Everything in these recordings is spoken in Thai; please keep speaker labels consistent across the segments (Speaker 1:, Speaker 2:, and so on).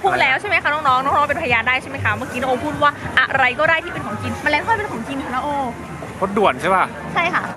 Speaker 1: พูดแล้วใช่ไหมคะน้องๆน้องๆเป็นพยานได้ใช่ไหมคะเมื่อกี้น้องโอพูดว่าอะไรก็ได้ที่เป็นของกินแมลงทอดเป็นของกินค่ะน้องโอ
Speaker 2: รถด่วนใช่ป่ะ
Speaker 1: ใช่ค่ะ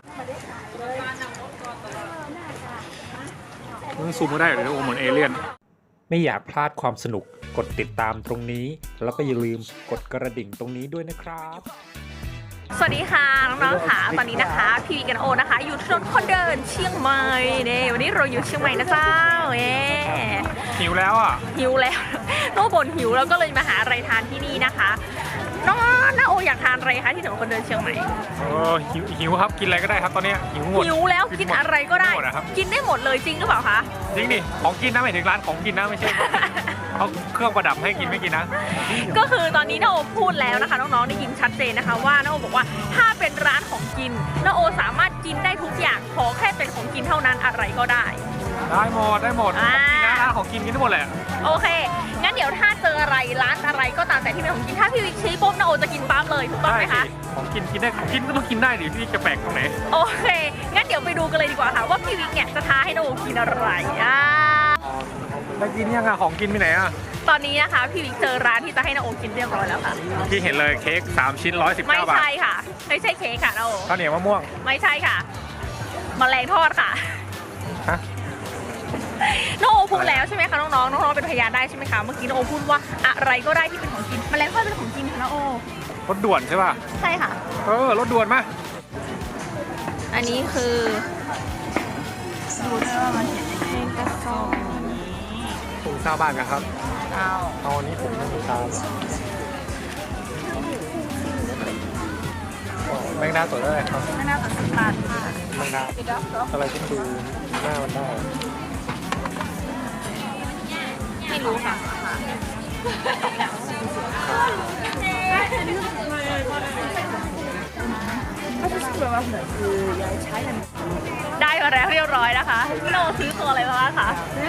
Speaker 2: ซูมก็ได้เดี๋ยวโอเหมือนเอเลี่ยน
Speaker 3: ไม่อยากพลาดความสนุกกดติดตามตรงนี้ แล้วก็อย่าลืมกดกระดิ่งตรงนี้ด้วยนะครับ
Speaker 1: สวัสดีค่ะน้องๆค่ะตอนนี้นะคะพี่วีกันโอนะคะอยู่ถนนคนเดินเชียงใหม่เนี่ยวันนี้เราอยู่เชียงใหม่นะเจ้า
Speaker 2: หิวแล้วอ่ะ
Speaker 1: หิวแล้วโน้บ่นหิวแล้วก็เลยมาหาอะไรทานที่นี่นะคะน้าโออยากทานอะไรคะที่ถนนคนเดินเชียงใหม่
Speaker 2: หิวครับกินอะไรก็ได้ครับตอนนี้หิวหมด
Speaker 1: หิวแล้วกินอะไรก็ได้ กินได้หมดเลยจริงหรือเปล่าคะ
Speaker 2: จริงดิของกินนะหมายถึงร้านของกินนะไม่ใช่เขาเครื่องประดับให้กินไม่กินนะ
Speaker 1: ก็คือตอนนี้น้าโอพูดแล้วนะคะน้องๆได้ยินชัดเจนนะคะว่าน้าโอบอกว่าถ้าเป็นร้านของกินน้าโอสามารถกินได้ทุกอย่างขอแค่เป็นของกินเท่านั้นอะไรก็ได้
Speaker 2: ได้หมดของกินนะร้านของกินกินได้หมดแหละ
Speaker 1: โอเคงั้นเดี๋ยวถ้าเจออะไรร้านอะไรก็ตามแต่ที่เป็นของกินถ้าพี่วิกชี้ปุ๊บน้าโอจะกินปั๊บเลยถูกต้องไหมคะ
Speaker 2: ของกินกินได้กินก็ต้องกินได้ดิพี่จะแปลกตรงไหน
Speaker 1: โอเคงั้นเดี๋ยวไปดูกันเลยดีกว่าค่ะว่าพี่วิกเนี่ยจะท้าให้น้าโอกินอะไร
Speaker 2: ได้กินยังอะของกินไปไหนอะ
Speaker 1: ตอนนี้นะคะพี่วิกเจอร้านที่จะให้น้าโอกินเรียบร้อยแล้วค่ะ
Speaker 2: ที่เห็นเลยเค้ก3 ชิ้น119 บาท
Speaker 1: ไม่ใช่ค่ะไม่ใช่เค้กค่ะน้าโอ
Speaker 2: ข้าวเหนียวมะม่วง
Speaker 1: ไม่ใช่ค่ะแมลงทอดค่ะ
Speaker 2: ฮะ
Speaker 1: น้องโอพูดแล้วใช่ไหมคะน้องๆน้องๆเป็นพยานได้ใช่ไหมคะเมื่อกี้น้องโอพูดว่าอะไรก็ได้ที่เป็นของกินแมลงทอดเป็นของกินค่ะน้องโอ
Speaker 2: รถด่วนใช่ป่ะ
Speaker 1: ใช่ค่ะ
Speaker 2: รถด่วนมา
Speaker 1: อันนี้คือดูได้ว่ามันเห็นในกระสอบ
Speaker 2: ถุงซาบ้านกันครับ
Speaker 1: เอา
Speaker 2: อันนี้ถุงซาแมงดาสดได้ครับ
Speaker 1: แมงดาสด10 บาทค่ะ
Speaker 2: แมงดาอะไรที่ดูหน้ามันได้
Speaker 1: ไม่รู้ค่ะได้มาแล้วเรียบร้อยนะคะพี่โนซื้อตัวอะไรมาบ้างคะ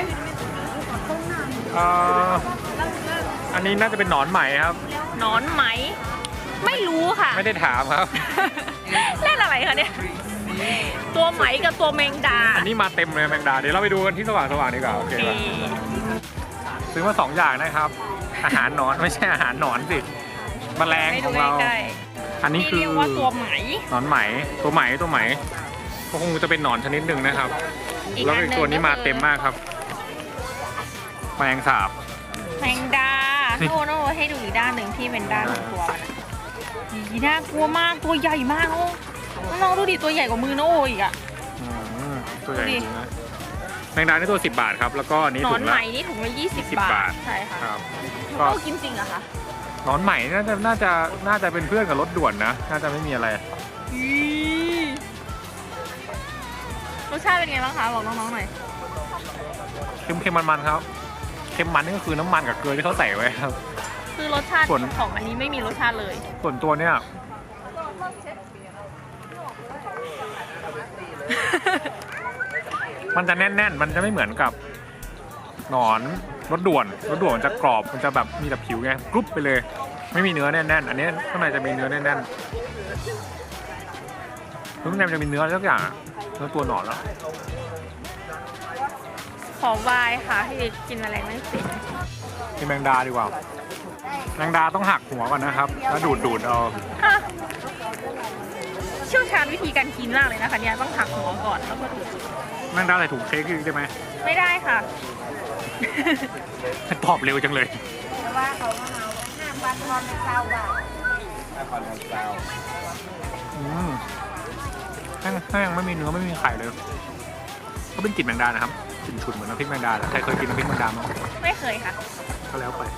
Speaker 2: อันนี้น่าจะเป็นหนอนไหมครับ
Speaker 1: หนอนไหมไม่รู้ค่ะ
Speaker 2: ไม่ได้ถามครับ
Speaker 1: เล่นอะไรคะเนี่ยตัวไหมกับตัวแมงดา
Speaker 2: อันนี้มาเต็มเลยแมงดาเดี๋ยวเราไปดูกันที่สว่างดีกว่าโอเคซื้อมา2 อย่างนะครับอาหารหนอนไม่ใช่อาหารหนอนสิแมลงของเราอันนี้คือ
Speaker 1: ว่าตัวไหม
Speaker 2: หนอนไหมตัวไหมก็คงจะเป็นหนอนชนิดหนึ่งนะครับแล้วอีกตัวนี้มาเต็มมากครับแมงสาบ
Speaker 1: แมงดาโน่ให้ดูอีกด้านหนึ่งที่เป็นด้านของตัวมันน่ากลัวมากตัวใหญ่มากน้องดูดิตัวใหญ่กว่ามือโน่อีกอ่ะ
Speaker 2: ตัวใหญ่จริงนะแมงดานี่ตัว10 บาทครับแล้วก็นี้ถุงละ
Speaker 1: หนอนไหมนี่ถุงละ20 บาทใช่ค่ะ
Speaker 2: ครับ
Speaker 1: ก็กินจริงอะคะ
Speaker 2: หนอนไหมน่าจะเป็นเพื่อนกับรถด่วนนะน่าจะไม่มีอะไร
Speaker 1: รสชาติเป็นไงบ้างคะบอกน้องๆหน่อย
Speaker 2: เค็มมันครับเค็มมันนี่ก็คือน้ำมันกับเกลือที่เขาใส่ไว้ครับ
Speaker 1: คือรสชาติของอันนี้ไม่มีรสชาติเลย
Speaker 2: ส่วนตัวเนี่ยมันจะแน่นๆมันจะไม่เหมือนกับหนอนรถด่วนจะกรอบมันจะแบบมีแต่ผิวไงกรุบไปเลยไม่มีเนื้อแน่นๆอันนี้ข้างในจะมีเนื้อแน่นๆข้างในมันจะมีเนื้อสักอย่างเนื้อตัวหนอนแล้ว
Speaker 1: ขอวายค่ะที่กินอะไรไม่เป็น
Speaker 2: กินแมงดาดีกว่าแมงดาต้องหักหัวก่อนนะครับแล้วดูดเอา
Speaker 1: เชี่ยวชาญวิธีการกินมากเลยนะคะเนี่ยต้องหักหัวก่อนแล้วก็ดูด
Speaker 2: แมงดาใส่ถุงเค้กได้ไหม
Speaker 1: ไม่ได้ค่ะ
Speaker 2: ตอบเร็วจังเลย
Speaker 4: แต่ว่าเขา5 วันทอนเป็น20 บาท
Speaker 2: แห้งไม่มีเนื้อไม่มีไข่เลยก็เป็นกลิ่นแมงดานะครับกลิ่นฉุนเหมือนน้ำพริกแมงดาใครเคยกินน้ำพริกแมงดาไหม
Speaker 1: ไม่เคยค่ะ
Speaker 2: ก็แล้วไป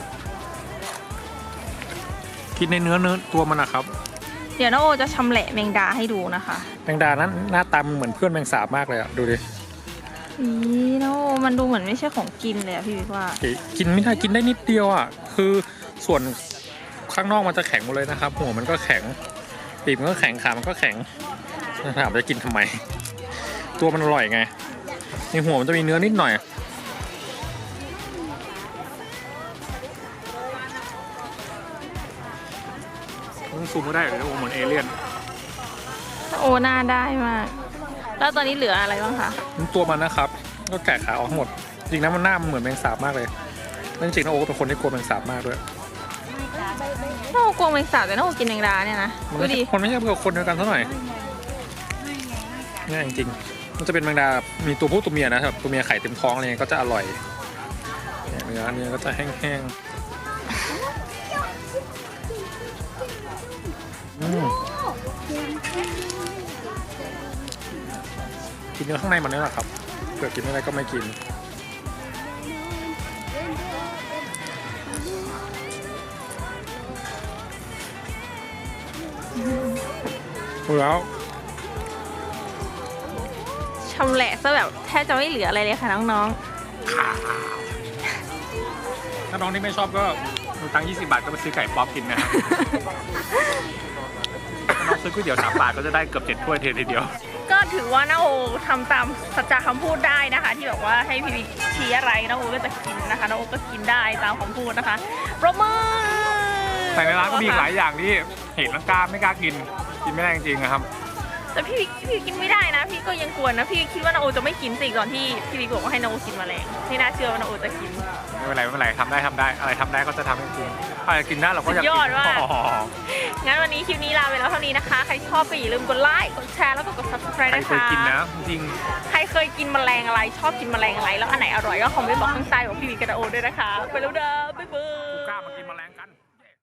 Speaker 2: กินในเนื้อตัวมันนะครับ
Speaker 1: เดี๋ยวน้าโอจะชำแหละแมงดาให้ดูนะคะ
Speaker 2: แมงดานั้นหน้าตาเหมือนเพื่อนแมงสาบมากเลยอะดูดิ
Speaker 1: น้าโอมันดูเหมือนไม่ใช่ของกินเลยอะพี่วิกว่า
Speaker 2: กินไม่ได้กินได้นิดเดียวอะคือส่วนข้างนอกมันจะแข็งหมดเลยนะครับหัวมันก็แข็งปีกมันก็แข็งขามันก็แข็งถามจะกินทำไมตัวมันอร่อยไงในหัวมันจะมีเนื้อนิดหน่อยซูมก็ได้เดี๋ยวโอเหมือนเอเลี่ยน
Speaker 1: โอหน้าได้มากแล้วตอนนี้เหลืออะไรบ้างคะ
Speaker 2: ตัวมันนะครับก็แกะขาออกหมดจริงนะมันหน้ามันเหมือนแมงสาบมากเลยแล้วจริงๆน้าโอก็เป็นคนที่กลัวแมงสาบมากด้วย
Speaker 1: น้าโอกลัวแมงสาบแต่น้าโอกินแมงดาเนี่ยนะ
Speaker 2: มัน
Speaker 1: ดู
Speaker 2: ไม่ใช่
Speaker 1: ดิ
Speaker 2: คนไม่ใช่เพื่อคนเดียวกันเท่าไหร่เนี่ยจริงๆมันจะเป็นแมงดามีตัวผู้ตัวเมียนะครับตัวเมียไข่เต็มท้องอะไรเงี้ยก็จะอร่อยเนี่ยเนื้อก็จะแห้งๆกินเนื้อข้างในมันนี่แหละครับเกิดกินไม่ได้ก็ไม่กินแล้ว
Speaker 1: ชำแหละซะแบบแทบจะไม่เหลืออะไรเลยค่ะน้อง
Speaker 2: ถ้าน้องที่ไม่ชอบก็มีตังค์20 บาทก็ไปซื้อไก่ป๊อปกินนะครับ ถ้าน้องซื้อก๋วยเตี๋ยว3 บาทก็จะได้เกือบ7 ถ้วยทีเดียว
Speaker 1: ๆก็ถือว่าน้าโอทำตามสัจจะคำพูดได้นะคะ ที่แบบว่าให้พี่ชี้อะไรน้าโอก็จะกินนะคะน้าโอก็กินได้ตามคำพูดนะคะปรบมือ
Speaker 2: แต่ในร้านก็มีอีกหลายอย่างที่เห็นแล้วกล้าไม่กล้ากินไม่ได้จริงๆนะครับ
Speaker 1: แต่พี่กินไม่ได้นะ พี่ก็ยังกลัวนะพี่คิดว่านาโอจะไม่กินสิก่อนที่พี่บิ๊กบอกว่าให้นาโอกินแมลงไม่น่าเชื่อว่านาโอจะกิน
Speaker 2: ไม่เป็นไรทำได้อะไรทำได้ก็จะทำให้กินอะไรกินได้เราก็อยากกิน
Speaker 1: สุดยอดว่ะ งั้นวันนี้คลิปนี้ลาไปแล้วเท่านี้นะคะ ใครชอบก็อย่าลืมกดไลค์กดแชร์แล้วก็กด subscribe
Speaker 2: ใคร
Speaker 1: นะ
Speaker 2: เคย
Speaker 1: คะ
Speaker 2: กินนะจริง
Speaker 1: ใครเคยกินแมลงอะไรชอบกินแมลงอะไรแล้วอันไหนอร่อยก็คอมเมนต์บอกข้างใต้ของพี่บิ๊กกับนาโอด้วยนะคะไปแล้วเด้อบ๊ายบาย
Speaker 2: กล้ามากินแมลงกัน